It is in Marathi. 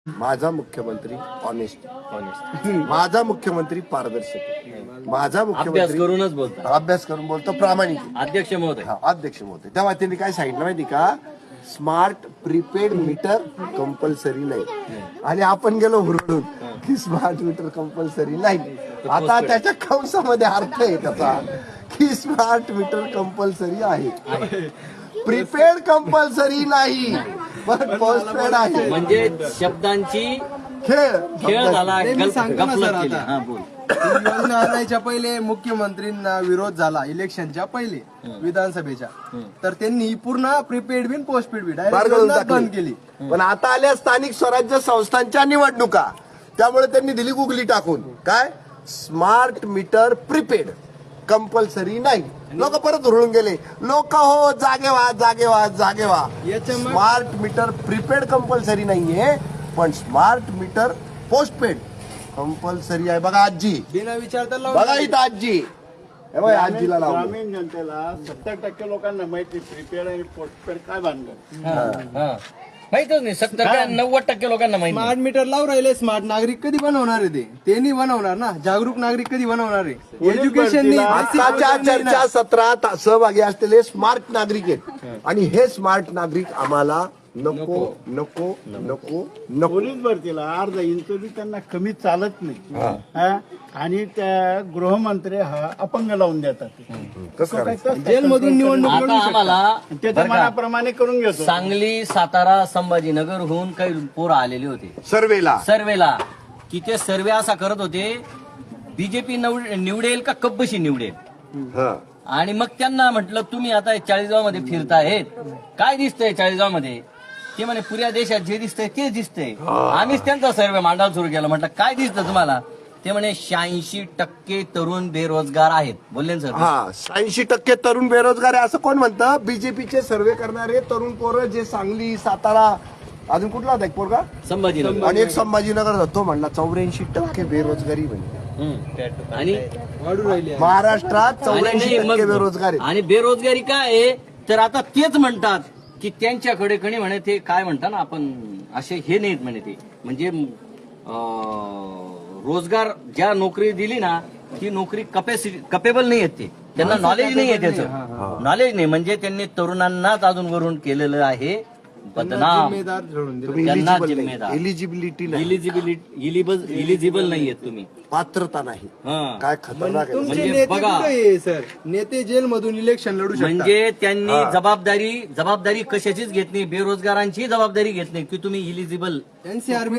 माझा मुख्यमंत्री ऑनेस्ट, माझा मुख्यमंत्री पारदर्शक, माझा मुख्यमंत्री करूनच बोलतो, अभ्यास करून बोलतो, प्रामाणिक. अध्यक्ष महोदय. अध्यक्ष महोदय, तेव्हा त्यांनी काय सांगितलं माहिती का, स्मार्ट प्रीपेड मीटर कंपल्सरी नाही. आणि आपण गेलो हुरडून की स्मार्ट मीटर कंपल्सरी नाही. आता त्याच्या कंसामध्ये अर्थ आहे त्याचा की स्मार्ट मीटर कंपल्सरी आहे, प्रीपेड कंपल्सरी नाही, पण पोस्टपेड आहे. म्हणजे शब्दांची खेळ झाला. मी सांगतो ना सर, आता हा, बोल. योजना आणायच्या पहिले मुख्यमंत्रींना विरोध झाला इलेक्शनच्या पहिले विधानसभेच्या, तर त्यांनी पूर्ण प्रीपेड बिन पोस्टपेड बिन बंद केली. पण आता आल्या स्थानिक स्वराज्य संस्थांच्या निवडणुका, त्यामुळे त्यांनी दिली गुगली टाकून काय, स्मार्ट मीटर प्रीपेड कंपल्सरी नाही. लोक परत हुरळून गेले, लोक हो जागे व्हा जागे व्हा जागे व्हा. स्मार्ट मीटर प्रीपेड कंपल्सरी नाहीये, पण स्मार्ट मीटर पोस्टपेड कंपल्सरी आहे. बघा आजी, बिना विचारता बघा इथं आजी, हे बघ, आजीला लावलं. ग्रामीण जनतेला 70% लोकांना माहिती प्रीपेड आणि पोस्टपेड काय भानगड. माहितच नाही. 70 का 90% लोकांना माहिती. स्मार्ट मीटर लावून राहिले. स्मार्ट नागरिक कधी बनवणार आहे ते नाही बनवणार ना. जागरूक नागरिक कधी बनवणार आहे. एज्युकेशन आताच्या चर्चा सत्रात सहभागी असलेले स्मार्ट नागरिक आहेत, आणि हे स्मार्ट नागरिक आम्हाला नको नको नको नको. पोलीस भरतीला अर्धा इंच बी त्यांना कमी चालत नाही. हा? आणि त्या गृहमंत्री हा अपंग लावून देतात. कसं करायचं? जेल मधून निवडणूक आता आम्हाला त्याच्या मनाप्रमाणे करून घेतो. सांगली, सातारा, संभाजीनगरहून काही पोरं आलेले होते सर्वेला, की ते सर्वे असा करत होते, बीजेपी निवडेल का कब्बशी निवडेल. आणि मग त्यांना म्हटलं, तुम्ही आता 40गाव मध्ये फिरतायत, काय दिसतंय 40गाव मध्ये. ते म्हणे, पुऱ्या देशात जे दिसतंय तेच दिसतंय. आम्हीच त्यांचा सर्वे मांडायला सुरू केला. म्हटलं काय दिसतं तुम्हाला. ते म्हणे 86% तरुण बेरोजगार आहेत. बोलले ना सर. 86% तरुण बेरोजगार आहे असं कोण म्हणतं. बीजेपीचे सर्वे करणारे तरुण पोरं जे सांगली, सातारा, अजून कुठला होता एक पोरगा, संभाजीनगर, आणि एक संभाजीनगर, तो म्हणला 84% बेरोजगारी म्हणजे. आणि वाढू राहिले. महाराष्ट्रात 84% बेरोजगार आहे. आणि बेरोजगारी काय आहे, तर आता तेच म्हणतात की त्यांच्याकडे कणी म्हणे, ते काय म्हणतात ना आपण, असे हे नाहीत म्हणे ते, म्हणजे रोजगार ज्या नोकरी दिली ना, ती नोकरी कपेबल नाही आहेत. ते त्यांना नॉलेज नाही आहे, त्याचं नॉलेज नाही. म्हणजे त्यांनी तरुणांनाच अजून वरून केलेलं आहे बदनाम. त्यांना जिम्मेदार. एलिजिबिलिटी नाही, इलिजिबल नाहीयेत तुम्ही, पात्रता नाही. हा. काय खतरनाक आहे. तुमचे म्हणजे नेते बघा. कुठे आहे सर. नेते जेल मधून इलेक्शन लढू शकतात. म्हणजे त्यांनी जबाबदारी कशाचीच घेत नाही, बेरोजगारांची जबाबदारी घेत नाही की तुम्ही इलिजिबल. एनसीआर